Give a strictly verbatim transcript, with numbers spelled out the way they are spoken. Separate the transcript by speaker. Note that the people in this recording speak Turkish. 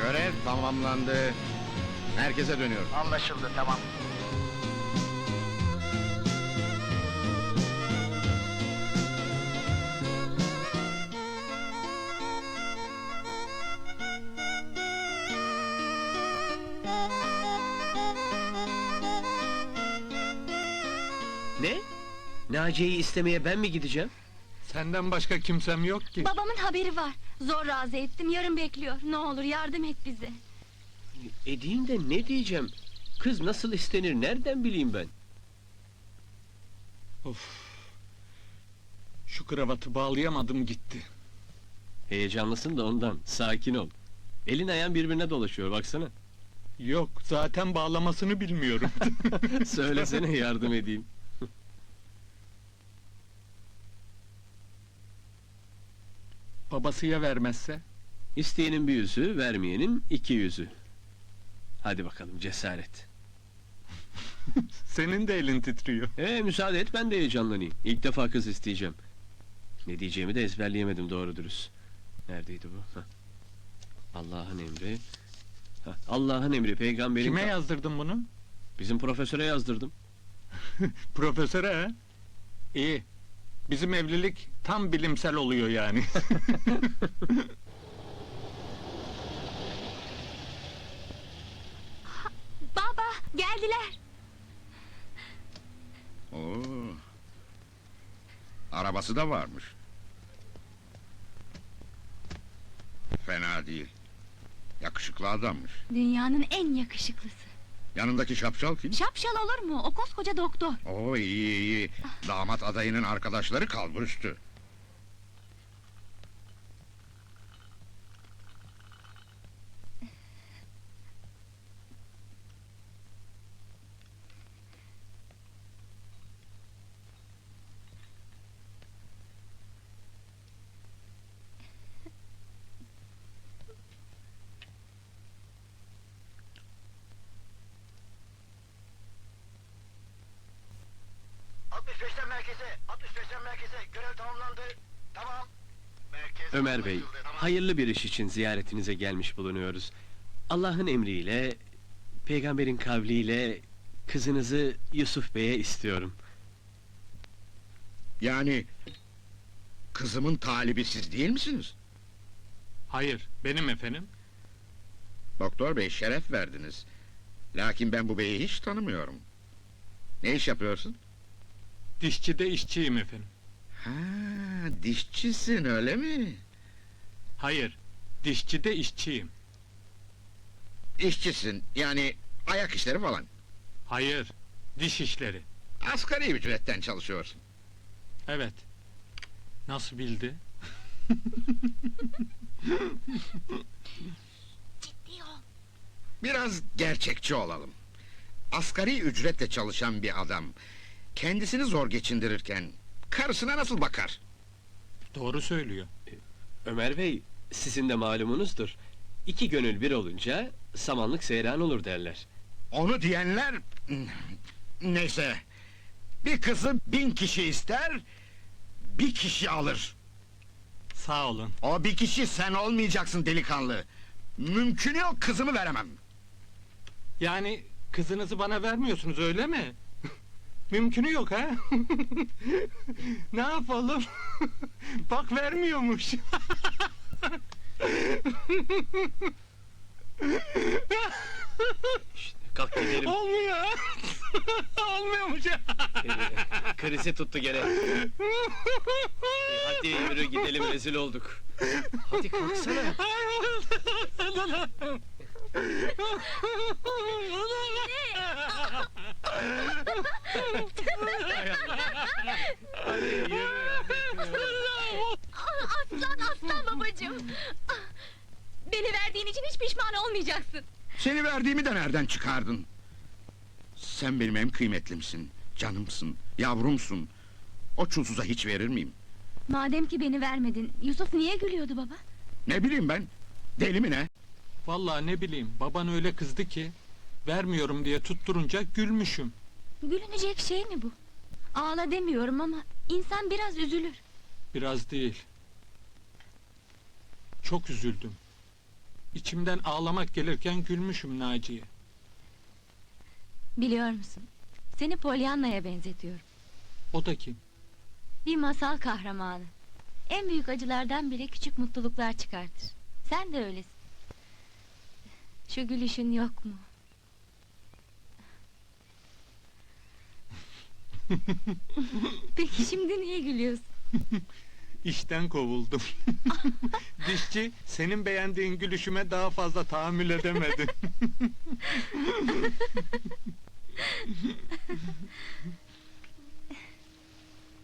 Speaker 1: Görev tamamlandı. Merkeze dönüyorum.
Speaker 2: Anlaşıldı, tamam.
Speaker 3: Ne? Naciye'yi istemeye ben mi gideceğim?
Speaker 4: Senden başka kimsem yok ki.
Speaker 5: Babamın haberi var. Zor razı ettim, yarın bekliyor. Ne olur yardım et bize.
Speaker 3: Edeyim de ne diyeceğim? Kız nasıl istenir nereden bileyim ben?
Speaker 4: Of. Şu kravatı bağlayamadım gitti.
Speaker 3: Heyecanlısın da ondan, sakin ol. Elin ayağın birbirine dolaşıyor baksana.
Speaker 4: Yok, zaten bağlamasını bilmiyorum.
Speaker 3: Söylesene yardım edeyim.
Speaker 4: Babası ya vermezse?
Speaker 3: İsteyenin bir yüzü, vermeyenin iki yüzü. Hadi bakalım cesaret.
Speaker 4: Senin de elin titriyor.
Speaker 3: Ee müsaade et ben de heyecanlanayım. İlk defa kız isteyeceğim. Ne diyeceğimi de ezberleyemedim doğru dürüst. Neredeydi bu? Hah. Allah'ın emri. Hah, Allah'ın emri peygamberin...
Speaker 4: Kime yazdırdın bunu?
Speaker 3: Bizim profesöre yazdırdım.
Speaker 4: Profesöre ha? İyi. Bizim evlilik tam bilimsel oluyor yani.
Speaker 5: Baba, geldiler.
Speaker 1: Oo. Arabası da varmış. Fena değil. Yakışıklı adammış.
Speaker 5: Dünyanın en yakışıklısı.
Speaker 1: Yanındaki şapşal kim?
Speaker 5: Şapşal olur mu? O koskoca doktor.
Speaker 1: Oo iyi iyi. Damat adayının arkadaşları kalburüstü.
Speaker 2: altmış beşten merkeze, altmış beşten merkeze. Görev tamamlandı. Tamam. Merkez
Speaker 3: Ömer Bey,
Speaker 2: anlaşıldı, tamam.
Speaker 3: hayırlı bir iş için ziyaretinize gelmiş bulunuyoruz. Allah'ın emriyle, peygamberin kavliyle kızınızı Yusuf Bey'e istiyorum.
Speaker 1: Yani kızımın talibi siz değil misiniz?
Speaker 4: Hayır, benim efendim.
Speaker 1: Doktor bey şeref verdiniz. Lakin ben bu beyi hiç tanımıyorum. Ne iş yapıyorsun?
Speaker 4: Dişçide işçiyim efendim.
Speaker 1: Ha, dişçisin öyle mi?
Speaker 4: Hayır, dişçide işçiyim.
Speaker 1: İşçisin yani ayak işleri falan.
Speaker 4: Hayır, diş işleri.
Speaker 1: Asgari ücretten çalışıyorsun.
Speaker 4: Evet. Nasıl bildi?
Speaker 5: Ciddi ol.
Speaker 1: Biraz gerçekçi olalım. Asgari ücretle çalışan bir adam kendisini zor geçindirirken karısına nasıl bakar?
Speaker 4: Doğru söylüyor.
Speaker 3: Ömer Bey, sizin de malumunuzdur. İki gönül bir olunca samanlık seyran olur derler.
Speaker 1: Onu diyenler... Neyse... Bir kızı bin kişi ister... Bir kişi alır.
Speaker 4: Sağ olun.
Speaker 1: O bir kişi sen olmayacaksın delikanlı. Mümkün yok kızımı veremem.
Speaker 4: Yani kızınızı bana vermiyorsunuz öyle mi? Mümkünü yok ha? Ne yapalım? Bak vermiyormuş.
Speaker 3: İşte, kalk gidelim.
Speaker 4: Olmuyor. Olmuyormuş.
Speaker 3: Ee, krizi tuttu gene. Ee, hadi yürü gidelim rezil olduk. Hadi kalksana. Hadi yürü.
Speaker 5: Aslan aslan babacığım. Beni verdiğin için hiç pişman olmayacaksın.
Speaker 1: Seni verdiğimi de nereden çıkardın? Sen benim en kıymetlimsin, canımsın, yavrumsun. O çulsuza hiç verir miyim?
Speaker 5: Madem ki beni vermedin, Yusuf niye gülüyordu baba?
Speaker 1: Ne bileyim ben, deli mi ne?
Speaker 4: Vallahi ne bileyim, baban öyle kızdı ki vermiyorum diye tutturunca gülmüşüm.
Speaker 5: Gülünecek şey mi bu? Ağla demiyorum ama insan biraz üzülür.
Speaker 4: Biraz değil. Çok üzüldüm. İçimden ağlamak gelirken gülmüşüm Naciye.
Speaker 5: Biliyor musun? Seni Pollyanna'ya benzetiyorum.
Speaker 4: O da kim?
Speaker 5: Bir masal kahramanı. En büyük acılardan bile küçük mutluluklar çıkartır. Sen de öylesin. Şu gülüşün yok mu? Peki şimdi niye gülüyorsun?
Speaker 4: İşten kovuldum. Dişçi, senin beğendiğin gülüşüme daha fazla tahammül edemedi.